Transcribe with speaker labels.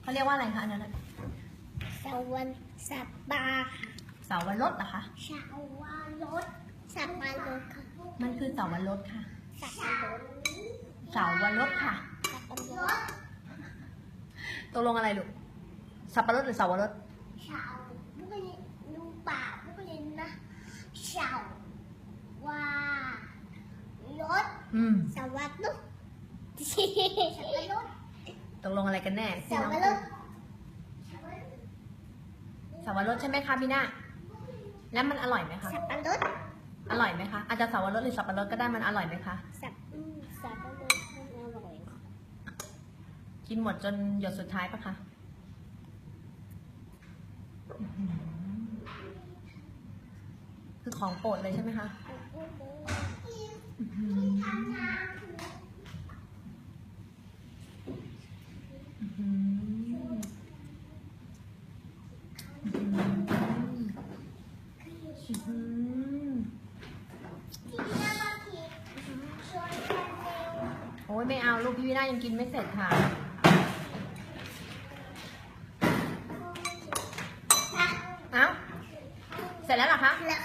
Speaker 1: เขาเรียกว่าอะไรคะอันนั้น
Speaker 2: สวนสัตว์ป่า
Speaker 1: เสาวรสเหรอคะ
Speaker 2: ชาวารถสัตว์ป่ารถค่ะ
Speaker 1: มันคือเสาวรสค่ะ
Speaker 2: สัตว์ป่ารถ
Speaker 1: เสาวรสค่ะ
Speaker 2: สัตว์ป่ารถ
Speaker 1: ตกลงอะไรลูกสับปะรดหรือเสาวรส
Speaker 2: ชาวพวกนี้ลุงป่าพวกนี้นะชาวารถสวัสดิ์ สัตว์ป่ารถ
Speaker 1: ตกลงอะไรกันแน่
Speaker 2: สัตว์ป่ารถ
Speaker 1: เสาวรสใช่ไหมคะพี่นาแล้วมันอร่อยไหมคะ
Speaker 2: สัตว์ป่ารถ
Speaker 1: อร่อยไหมคะอาจจะเสาวรสหรือสับปะรดก็ได้มันอร่อยไหมคะ
Speaker 2: สัตว์ป่ารถมันอร่อย
Speaker 1: กินหมดจนหยดสุดท้ายปะคะคือของโปรดเลยใช่ไหมคะโอ้ยไม่เอาลูกพี่วินายังกินไม่เสร็จค่ะ เอ้า เสร็จแล้วเหรอคะ
Speaker 2: แล้ว